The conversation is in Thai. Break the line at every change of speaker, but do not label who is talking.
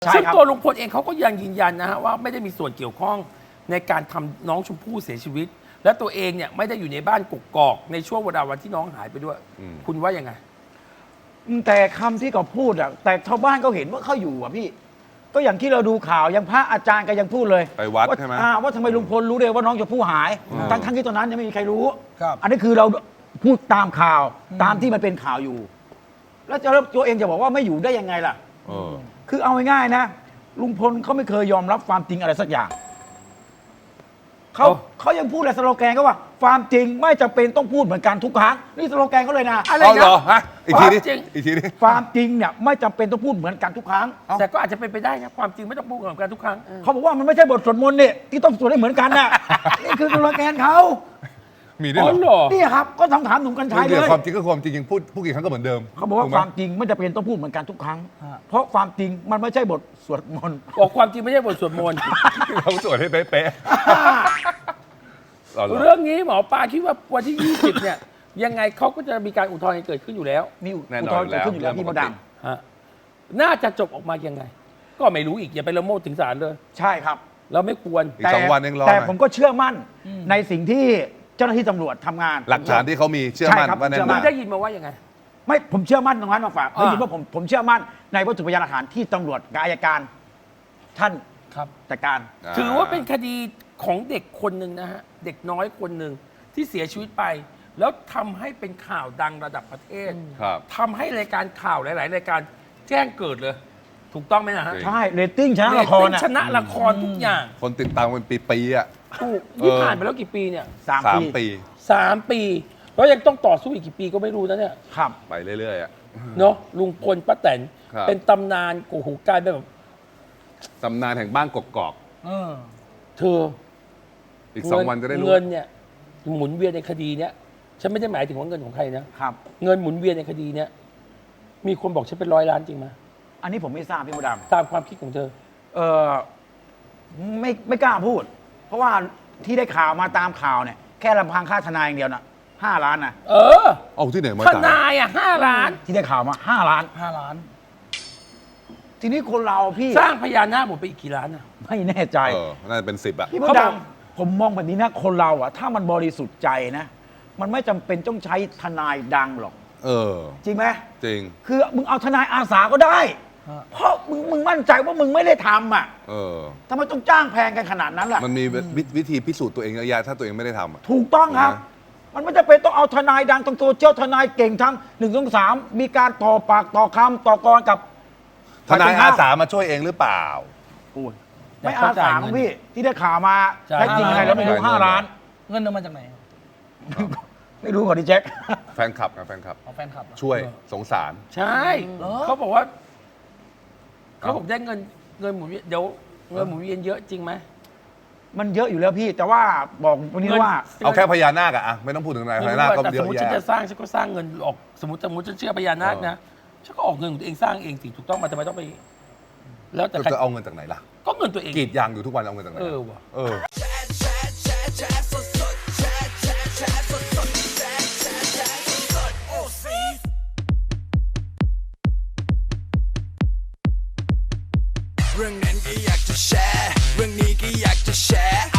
ซึ่งตัวลุงพลเองเขาก็ยังยืนยันนะฮะว่าไม่ได้มีส่วนเกี่ยวข้องในการทำน้องชมพู่เสียชีวิต และตัวเองเนี่ยไม่ได้อยู่ในบ้านกกอกในช่วงเวลาวันที่น้องหายไปด้วยคุณว่ายังไง
แต่คำที่เขาพูดอะแต่ชาวบ้านเขาเห็นว่าเขาอยู่อะพี่ก็อย่างที่เราดูข่าวยังพระอาจารย์ก็ยังพูดเลย
ไปวัดใช่ไหม
ว่าทำไมลุงพลรู้เลยว่าน้องชมพู่หายทั้งที่ตอนนั้นยังไม่มีใครรู้
ครับ
อันนี้คือเราพูดตามข่าวตามที่มันเป็นข่าวอยู่ แล้วตัวเองจะบอกว่าไม่อยู่ได้ยังไงล่ะคือเอาง่ายๆนะลุงพลเขาไม่เคยยอมรับความจริงอะไรสักอย่างเขายังพูดเลยสโลแกนก็ว่าความจริงไม่จำเป็นต้องพูดเหมือนกันทุกครั้งนี่สโลแกนเขาเลยนะ
อะไร
เหร
นะ
อฮะอีกทีนี้อีกทีนี้
ความจริงเนี่ยไม่จำเป็นต้องพูดเหมือนกันทุกครั้ง
แต่ก็อาจจะเป็นไปได้นะความจริงไม่ต้องพูดเหมือนกันทุกครั้ง
เขาบอกว่ามันไม่ใช่บทสวดมนต์เนี่ยที่ต้องสวดให้เหมือนกันน่ะ นี่คือสโลแกนเขา
มีด้วยเหรอ
นี่ครับก็ถามหนุ่มกัญชัยเลย
ความจริงก็ความจริงยังพูดกี่ครั้งก็เหมือนเดิม
เขาบอกว่าความจริงไม่จำเป็นต้องพูดเหมือนกันทุกครั้งเพราะความจริงมันไม่ใช่บทสวดมนต์
บอกความจริงไม่ใช่บทสวดมนต์
เราสวดให้เป๊ะ
เรื่องนี้หมอปลาคิดว่าวันที่ 20 เนี่ยยังไงเขาก็จะมีการอุทธรณ์เกิดขึ้นอยู่แล้ว
มีอุทธรณ์เกิดขึ้นอยู่แล้วพี่มดด
ำน่าจะจบออกมายังไงก็ไม่รู้อีกอย่าไปละโมบถึงศาลเลย
ใช่ครับ
เราไม่ควร
อีก2 วันเองรอ
แต่ผมก็เชื่อมั่นในสิ่งที่เจ้าหน้าที่ตำรวจทำงาน
หลักฐานที่เขามีเชื่อมั่นว่าแน่นอน
ได้ยินมาว่ายังไง
ไม่ผมเชื่อมั่นตรงนั้นมาฝากได้ยินว่าผมเชื่อมั่นในวัตถุพยานหลักฐานที่ตำรวจกับอัยการท่านจัดการ
ถือว่าเป็นคดีของเด็กคนหนึ่งนะฮะเด็กน้อยคนหนึ่งที่เสียชีวิตไปแล้วทำให้เป็นข่าวดังระดับประเทศทำให้รายการข่าวหลายๆรายการแจ้งเกิดเลยถูกต้องไหมนะฮะ
ใช่เรตติ้งชนะละคร
ชนะละครทุกอย่าง
คนติดตามเป็นปีๆอ่ะ
ถูกนี่ผ่านไปแล้วกี่ปีเนี่ย
3 ปี
3 ปีแล้วยังต้องต่อสู้อีกกี่ปีก็ไม่รู้นะเนี่ย
ครับ
ไปเรื่อยๆอ่ะ
เนาะลุงพลป้าแตนเป็นตำนานโอ้โหกลายเป็นแบบ
ตำนานแห่งบ้านกกอก
เธอ
อีก2 วันจะได้รู้
เงินเนี่ยหมุนเวียนในคดีเนี้ยฉันไม่ได้หมายถึงว่าเงินของใครนะครับเงินหมุนเวียนในคดีเนี้ยมีคนบอกฉันเป็น100 ล้านจริงไหม
อันนี้ผมไม่ทราบพี่มดด
ำตามความคิดของเธอ
ไม่กล้าพูด เพราะว่าที่ได้ข่าวมาตามข่าวเนี่ยแค่ลำพังค่าทนายอย่างเดียวนะ5 ล้านนะ
เอาที่ไหนมา
ทนาย5 ล้าน
ที่ได้ข่าวมา5 ล้าน
5 ล้าน
ทีนี้คนเราพี่
สร้างพญานาคหมดไปอีกกี่ล้านอะ
ไม่แน่ใจ
น่าจะเป็น10อ่ะ
พี่มดดำผมมองแบบนี้นะคนเราอะถ้ามันบริสุทธิ์ใจนะมันไม่จำเป็นต้องใช้ทนายดังหรอกจริงไหม
จริง
คือมึงเอาทนายอาสาก็ได้เพราะมึงมั่นใจว่ามึงไม่ได้ทำอ่ะทำไมต้องจ้างแพงกันขนาดนั้นล่ะ
มันมีวิธีพิสูจน์ตัวเองเยอะแยะถ้าตัวเองไม่ได้ทำ
ถูกต้องครับมันไม่จำเป็นต้องเอาทนายดังต้องตัวเจ้าทนายเก่งทั้ง1 2 3มีการต่อปากต่อคำต่อกรกับ
ทนายอาสามาช่วยเองหรือเปล่า
ไม่อาสาพี่ที่ได้ข่าวมาแท้จริงไงแล้วไม่รู้5 ล้าน
เงินมาจากไหน
ไม่รู้ก่อนดิแจ็ค
แฟนคลับนะแฟนคลับช่วยสงสาร
ใช่เขาบอกว่าเขาบอกได้เงินหมุนเวียนเดี๋ยวเงินหมุนเวียนเยอะจริงไหม
มันเยอะอยู่แล้วพี่แต่ว่าบอกวันนี้ว่า
เอาแค่พญานาคอะไม่ต้องพูดถึงอะไรพญานาคก็เยอะแยะ
สมมติฉันจะสร้างฉันก็สร้างเงินออกสมมติฉันเชื่อพญานาคนะฉันก็ออกเงินของตัวเองสร้างเองสิถูกต้องมาทำไมต้องไป
แล้วแต่จะเอาเงินจากไหนล่ะ
ก็เงินตัวเอง
กรีดยางอยู่ทุกวันเอาเงินจากไหน
ว่ะ
เรื่องนั้นก็อยากจะแชร์เรื่องนี้ก็อยากจะแชร์